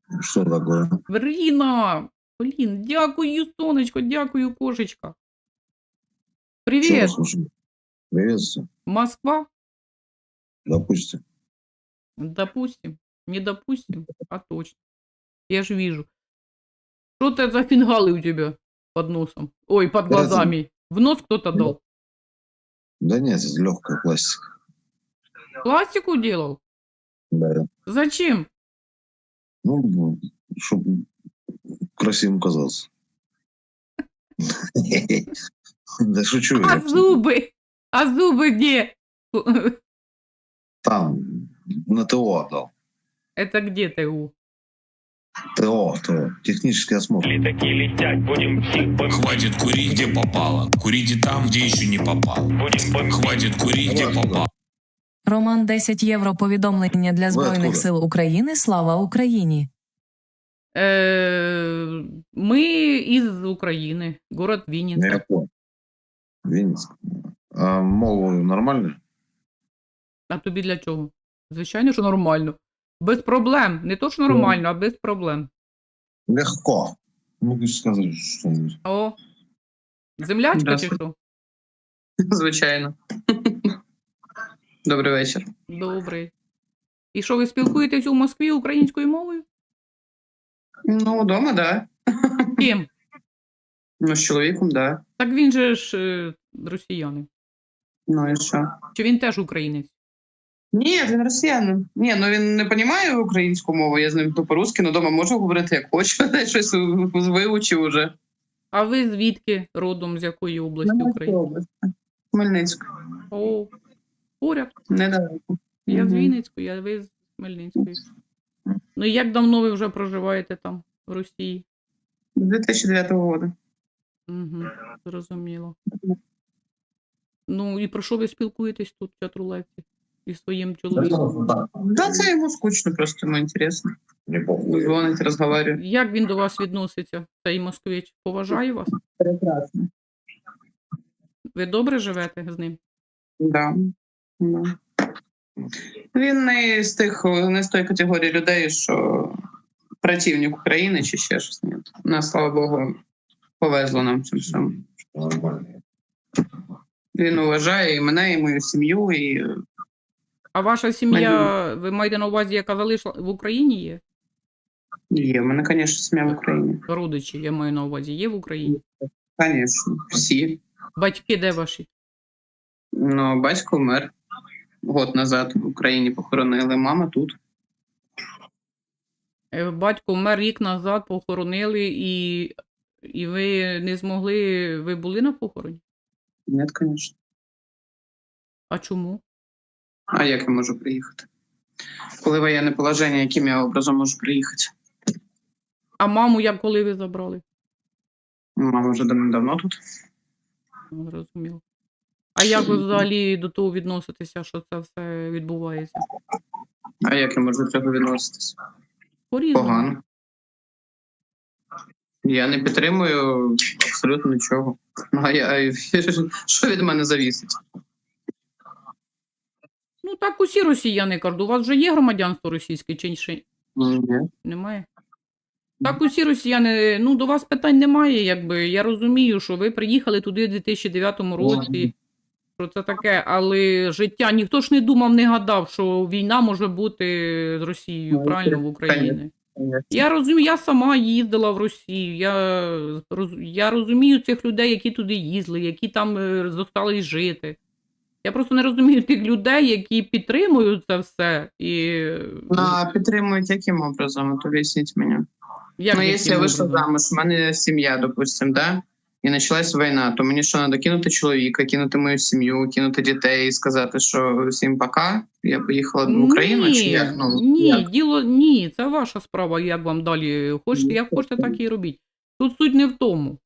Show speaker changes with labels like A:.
A: Что такое?
B: Ріна! Блін, дякую, сонечко, дякую, кошечка.
A: Чего
B: Привіт,
A: слушай? Приветствую.
B: Москва?
A: Допустим.
B: Допустим. Не допустим, а точно. Я ж вижу. Что это за фингалы у тебя под носом? Ой, под глазами. В нос кто-то дал?
A: Да нет, это легкая пластика.
B: Пластику делал?
A: Да.
B: Зачем?
A: Ну, чтобы красивым казался. Да шучу
B: А
A: я.
B: зубы? А зубы где?
A: Там, на ТО отдал.
B: Это где ТУ?
A: ТО. Технический осмотр.
C: Летаки летять, будем всіх
D: Хватит курить, где попало. Курите там, где еще не попал. Хватит курить, где попало.
E: Роман 10 євро повідомлення для Збройних
A: откуда?
E: сил України. Слава Україні!
B: Мы из Украины. Город Винница.
A: Я понял. Винницк. А мову нормально?
B: А тобі для чого? Звичайно, що нормально. Без проблем. Не то, що нормально, а без проблем.
A: Легко. Могу сказать что-нибудь.
B: О, землячка чи
F: Здравствуйте.
B: що?
F: Звичайно. Добрий вечір.
B: Добрий. І що, ви спілкуєтесь у Москві українською мовою?
F: Ну, вдома, да.
B: Ким?
F: Ну, з чоловіком, да.
B: Так він же ж росіянин.
F: Ну і що?
B: Чи він теж українець?
F: Ні, він росіянин. Ні, ну він не розуміє українську мову, я з ним по-русски, але вдома можу говорити як хочу, щось вивчив уже.
B: А ви звідки родом, з якої області України?
F: Хмельницьку.
B: О, поряд.
F: Недалеко.
B: Я з
F: Мгм.
B: Вінницької, а ви з Хмельницької. Ну і як давно ви вже проживаєте там, в Росії?
F: З 2009 року.
B: Угу, зрозуміло. Ну і про що ви спілкуєтесь тут в чатрулевці? Із своїм чоловіком?
F: Да, це йому скучно, просто йому інтересно.
A: Не похуй.
F: Дзвонить, розмовляє.
B: Як він до вас відноситься, цей москвич? Поважає вас?
F: Прекрасно.
B: Ви добре живете з ним?
F: Да. Да. Він не з тої категорії людей, що противник України чи ще щось. Ні. Нас, слава Богу, повезло нам цим всьому.
A: Нормально.
F: Він вважає і мене, і мою сім'ю, і
B: А ваша сім'я, ви маєте на увазі, яка залишила в Україні є?
F: є. У мене, звісно, сім'я в Україні.
B: Родичі, я маю на увазі, є в Україні?
F: Звісно, всі.
B: Батьки де ваші?
F: Ну, батько вмер год назад в Україні похоронили, мама тут.
B: Батько вмер рік назад, похоронили, і ви не змогли, ви були на похороні?
F: Ні, звісно.
B: А чому?
F: А як я можу приїхати? Коли воєнне положення, яким я образом можу приїхати?
B: А маму як коли ви забрали?
F: Мама вже давно тут.
B: Ну, зрозуміло. А як ви взагалі до того відноситеся, що це все відбувається?
F: А як я можу до цього відноситися?
B: По-різному.
F: Погано. Я не підтримую абсолютно нічого. Що від мене завісить?
B: Ну так усі росіяни кажуть, у вас вже є громадянство російське чи ще
F: Ні.
B: немає? Так усі росіяни, ну до вас питань немає, якби. Я розумію, що ви приїхали туди в 2009 році, що це таке, але життя, ніхто ж не думав, не гадав, що війна може бути з Росією,
F: Ну,
B: правильно, в Україні.
F: конечно.
B: Я розумію, я сама їздила в Росію, я розумію цих людей, які туди їздили, які там зостались жити. Я просто не розумію тих людей, які підтримують це все. І
F: А підтримують яким образом? То об'ясніть мені.
B: як
F: Ну,
B: яким
F: якщо я вийшла
B: образом?
F: замуж, в мене сім'я, допустим, да? І почалась війна, то мені що, треба кинути чоловіка, кинути мою сім'ю, кинути дітей і сказати, що всім пока, я поїхала в Україну, чи як? Ну,
B: ні,
F: як?
B: ні, це ваша справа, як вам далі хочете, як хочете, так і робіть. Тут суть не в тому.